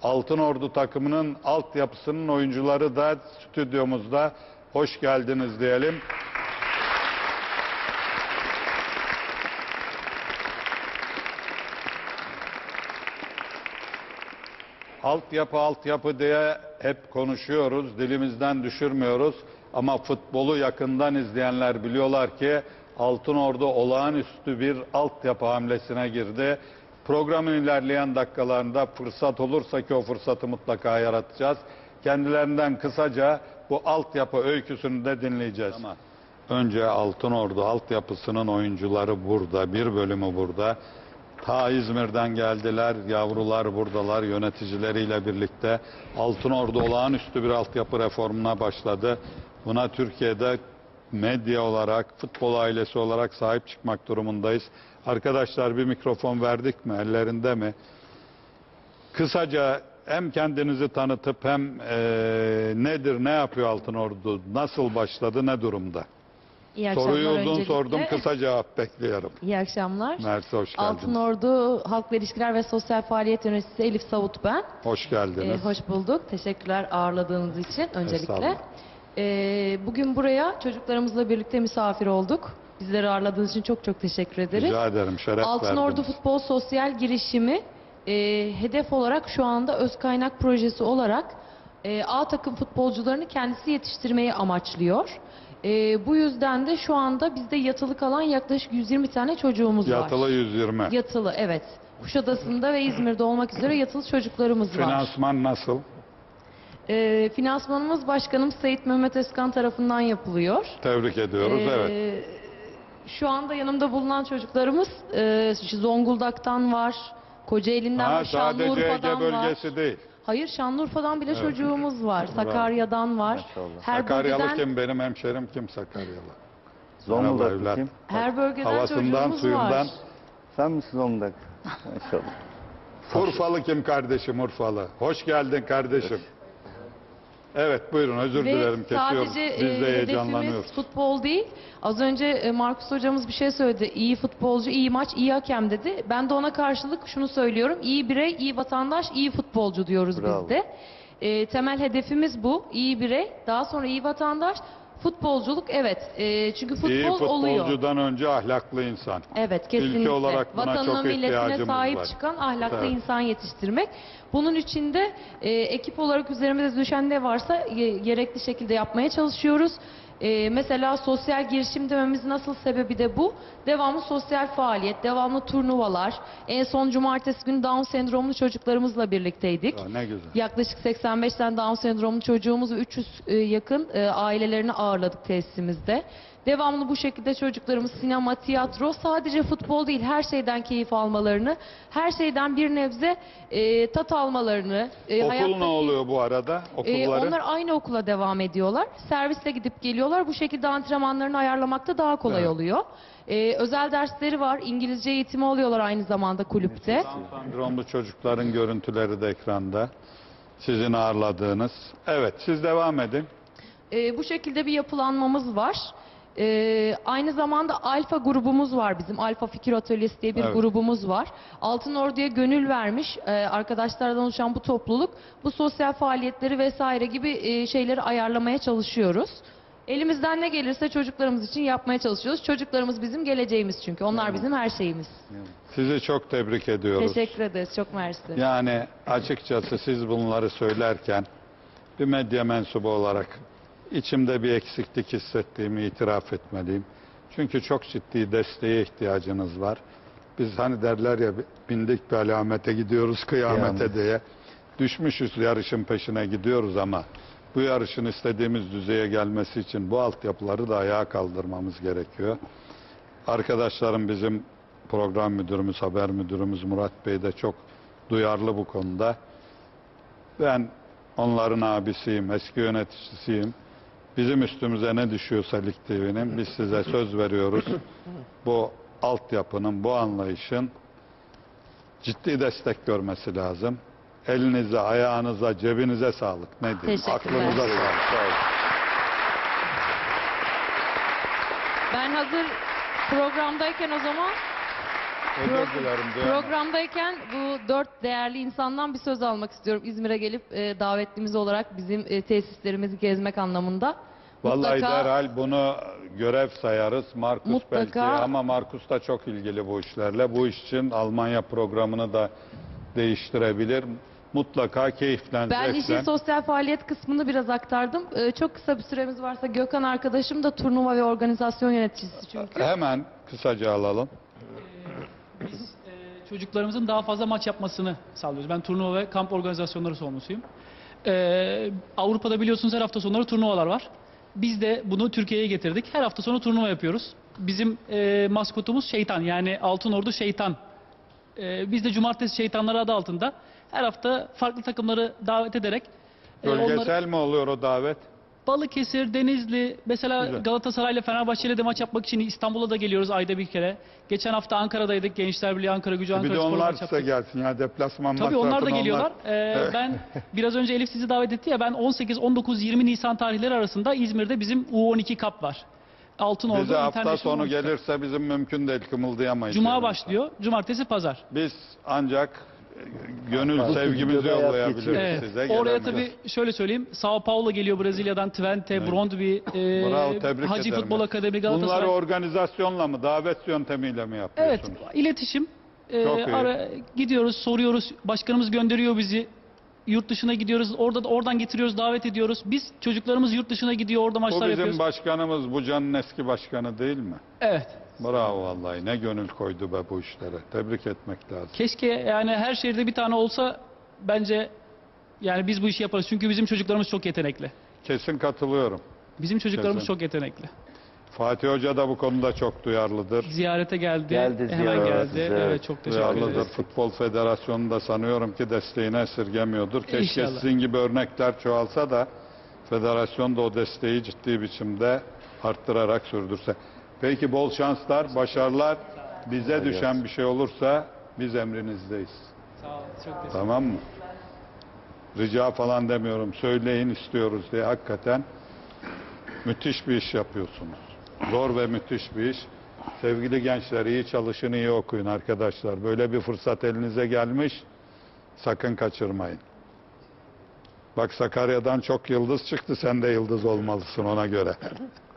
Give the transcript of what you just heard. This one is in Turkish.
Altınordu takımının altyapısının oyuncuları da stüdyomuzda. Hoş geldiniz diyelim. Altyapı diye hep konuşuyoruz, dilimizden düşürmüyoruz. Ama futbolu yakından izleyenler biliyorlar ki Altınordu olağanüstü bir altyapı hamlesine girdi. Programın ilerleyen dakikalarında fırsat olursa ki o fırsatı mutlaka yaratacağız. Kendilerinden kısaca bu altyapı öyküsünü de dinleyeceğiz. Ama önce Altınordu altyapısının oyuncuları burada, bir bölümü burada. Ta İzmir'den geldiler, yavrular buradalar, yöneticileriyle birlikte. Altınordu olağanüstü bir altyapı reformuna başladı. Buna Türkiye'de medya olarak, futbol ailesi olarak sahip çıkmak durumundayız. Arkadaşlar bir mikrofon verdik mi, ellerinde mi? Kısaca hem kendinizi tanıtıp hem nedir, ne yapıyor Altınordu, nasıl başladı, ne durumda? İyi akşamlar. Soruyu uzun Öncelikle sordum, kısa cevap bekliyorum. İyi akşamlar. Mersi, hoş geldiniz. Altınordu Halk ve İlişkiler ve Sosyal Faaliyet Yöneticisi Elif Savut ben. Hoş geldiniz. Hoş bulduk. Teşekkürler ağırladığınız için öncelikle. Bugün buraya çocuklarımızla birlikte misafir olduk. Bizleri ağırladığınız için çok çok teşekkür ederiz. Rica ederim, şeref Altınordu verdiniz. Futbol Sosyal Girişimi hedef olarak şu anda öz kaynak projesi olarak A takım futbolcularını kendisi yetiştirmeyi amaçlıyor. Bu yüzden de şu anda bizde yatılı kalan yaklaşık 120 tane çocuğumuz var. Yatılı 120. Yatılı, evet. Kuşadası'nda ve İzmir'de olmak üzere yatılı çocuklarımız var. Finansman nasıl? Finansmanımız Başkanım Sayit Mehmet Özkan tarafından yapılıyor. Tebrik ediyoruz, evet. Şu anda yanımda bulunan çocuklarımız Zonguldak'tan var, Kocaeli'nden var, Sadece Şanlıurfa'dan Ege var. bölgesi değil. Hayır, Şanlıurfa'dan bile çocuğumuz var. Sakarya'dan var. Sakaryalı kim? Benim hemşerim kim Sakaryalı? Zonguldaklı kim? Her bölgeden Havasından, çocuğumuz suyundan. var. Sen misin Zonguldak? Maşallah. Urfalı kim kardeşim, Urfalı? Hoş geldin kardeşim. Evet, buyurun, özür Ve dilerim, kesiyorum. sadece Biz de hedefimiz heyecanlanıyoruz. futbol değil. Az önce Markus hocamız bir şey söyledi. İyi futbolcu, iyi maç, iyi hakem dedi. Ben de ona karşılık şunu söylüyorum. İyi birey, iyi vatandaş, iyi futbolcu diyoruz Bravo. biz de. Temel hedefimiz bu. İyi birey, daha sonra iyi vatandaş. Futbolculuk, evet. Çünkü futbol İyi oluyor. futbolcudan önce ahlaklı insan. Evet, kesinlikle. Ülke olarak buna Vatanına, çok milletine ihtiyacımız sahip var. çıkan ahlaklı Evet. insan yetiştirmek. Bunun için de ekip olarak üzerimize düşen ne varsa gerekli şekilde yapmaya çalışıyoruz. Mesela sosyal girişim dememizin nasıl sebebi de bu. Devamlı sosyal faaliyet, devamlı turnuvalar. En son cumartesi günü Down sendromlu çocuklarımızla birlikteydik. Ya, ne güzel. Yaklaşık 85 tane Down sendromlu çocuğumuz ve 300 yakın ailelerini ağırladık tesisimizde. Devamlı bu şekilde çocuklarımız sinema, tiyatro, sadece futbol değil, her şeyden keyif almalarını, her şeyden bir nebze tat almalarını. Okul ne oluyor bu arada? Okulları? Onlar aynı okula devam ediyorlar. Servisle gidip geliyorlar. Bu şekilde antrenmanlarını ayarlamakta daha kolay Evet. oluyor. Özel dersleri var. İngilizce eğitimi alıyorlar aynı zamanda kulüpte. Down sendromlu çocukların görüntüleri de ekranda. Sizin ağırladığınız. Evet, siz devam edin. Bu şekilde bir yapılanmamız var. Aynı zamanda Alfa grubumuz var bizim. Alfa Fikir Atölyesi diye bir Evet. grubumuz var. Altınordu'ya gönül vermiş arkadaşlardan oluşan bu topluluk bu sosyal faaliyetleri vesaire gibi şeyleri ayarlamaya çalışıyoruz. Elimizden ne gelirse çocuklarımız için yapmaya çalışıyoruz. Çocuklarımız bizim geleceğimiz çünkü. Onlar bizim her şeyimiz. Sizi çok tebrik ediyoruz. Teşekkür ederiz. Çok mersi. Yani açıkçası siz bunları söylerken bir medya mensubu olarak içimde bir eksiklik hissettiğimi itiraf etmeliyim. Çünkü çok ciddi desteğe ihtiyacınız var. Biz hani derler ya, bindik bir alamete gidiyoruz kıyamete diye. Düşmüşüz, yarışın peşine gidiyoruz ama bu yarışın istediğimiz düzeye gelmesi için bu altyapıları da ayağa kaldırmamız gerekiyor. Arkadaşlarım, bizim program müdürümüz, haber müdürümüz Murat Bey de çok duyarlı bu konuda. Ben onların abisiyim, eski yöneticisiyim. Bizim üstümüze ne düşüyorsa Lig TV'nin, biz size söz veriyoruz. Bu altyapının, bu anlayışın ciddi destek görmesi lazım. Elinize, ayağınıza, cebinize sağlık. Ne diyeyim? Teşekkürler. Aklınıza sağlık. Ben hazır programdayken o zaman Özür dilerim. duyamadım. Programdayken bu 4 değerli insandan bir söz almak istiyorum. İzmir'e gelip davetlimiz olarak bizim tesislerimizi gezmek anlamında. Vallahi Mutlaka- derhal bunu görev sayarız. Markus Mutlaka- belki ama Markus da çok ilgili bu işlerle. Bu iş için Almanya programını da değiştirebilir. Mutlaka keyiflen, Ben işin zevklen. sosyal faaliyet kısmını biraz aktardım. Çok kısa bir süremiz varsa Gökhan arkadaşım da turnuva ve organizasyon yöneticisi çünkü. Hemen kısaca alalım. Biz çocuklarımızın daha fazla maç yapmasını sağlıyoruz. Ben turnuva ve kamp organizasyonları sorumlusuyum. Avrupa'da biliyorsunuz her hafta sonları turnuvalar var. Biz de bunu Türkiye'ye getirdik. Her hafta sonu turnuva yapıyoruz. Bizim maskotumuz şeytan, yani Altın Ordu Şeytan. Biz de Cumartesi Şeytanları adı altında her hafta farklı takımları davet ederek Bölgesel mi oluyor o davet? Balıkesir, Denizli, mesela Güzel. Galatasaray ile Fenerbahçe ile de maç yapmak için İstanbul'a da geliyoruz ayda bir kere. Geçen hafta Ankara'daydık. Gençler Birliği Ankara Gücü, Bir Ankara de Spor'la onlar maç size yaptık. gelsin ya, deplasman Tabii onlar da masrafını geliyorlar. Evet. Ben biraz önce Elif sizi davet etti ya, ben 18, 19, 20 Nisan tarihleri arasında İzmir'de bizim U12 Cup var. Altın Ordu Bize hafta International sonu U12 Cup. gelirse bizim mümkün değil, kımıldayamayız. Cuma yani. başlıyor. Cumartesi, pazar. Biz ancak gönül Bak, sevgimizi videoda hayat yollayabiliriz geçiyor. Evet. size. Oraya gelebiliriz. tabii şöyle söyleyeyim. Sao Paulo geliyor Brezilya'dan, Twente, Evet. Brondby, Bravo, tebrik Hacı ederim. Futbol Akademi, Bunları Galatasaray. organizasyonla mı, davet yöntemiyle mi Evet, yapıyorsunuz? iletişim. Çok iyi. Gidiyoruz, soruyoruz. Başkanımız gönderiyor bizi. Yurt dışına gidiyoruz. Oradan getiriyoruz, davet ediyoruz. Biz çocuklarımız yurt dışına gidiyor, orada Bu maçlar bizim yapıyoruz. başkanımız, bu canın eski başkanı değil mi? Evet. Bravo vallahi, ne gönül koydu be bu işlere. Tebrik etmek lazım. Keşke yani her şehirde bir tane olsa, bence yani biz bu işi yaparız. Çünkü bizim çocuklarımız çok yetenekli. Kesin katılıyorum. Bizim çocuklarımız Kesin. çok yetenekli. Fatih Hoca da bu konuda çok duyarlıdır. Ziyarete geldi. Geldi, Hemen ziyaret geldi. size. Evet, çok teşekkür Duyarlıdır. ederiz. Futbol Federasyonu da sanıyorum ki desteğini esirgemiyordur. Keşke İnşallah. sizin gibi örnekler çoğalsa da federasyon da o desteği ciddi biçimde arttırarak sürdürse. Peki bol şanslar, başarılar. Bize düşen bir şey olursa biz emrinizdeyiz. Sağ olun. Çok teşekkür ederim. Tamam mı? Rica falan demiyorum. Söyleyin istiyoruz diye, hakikaten müthiş bir iş yapıyorsunuz. Zor ve müthiş bir iş. Sevgili gençler, iyi çalışın, iyi okuyun arkadaşlar. Böyle bir fırsat elinize gelmiş. Sakın kaçırmayın. Bak, Sakarya'dan çok yıldız çıktı. Sen de yıldız olmalısın ona göre.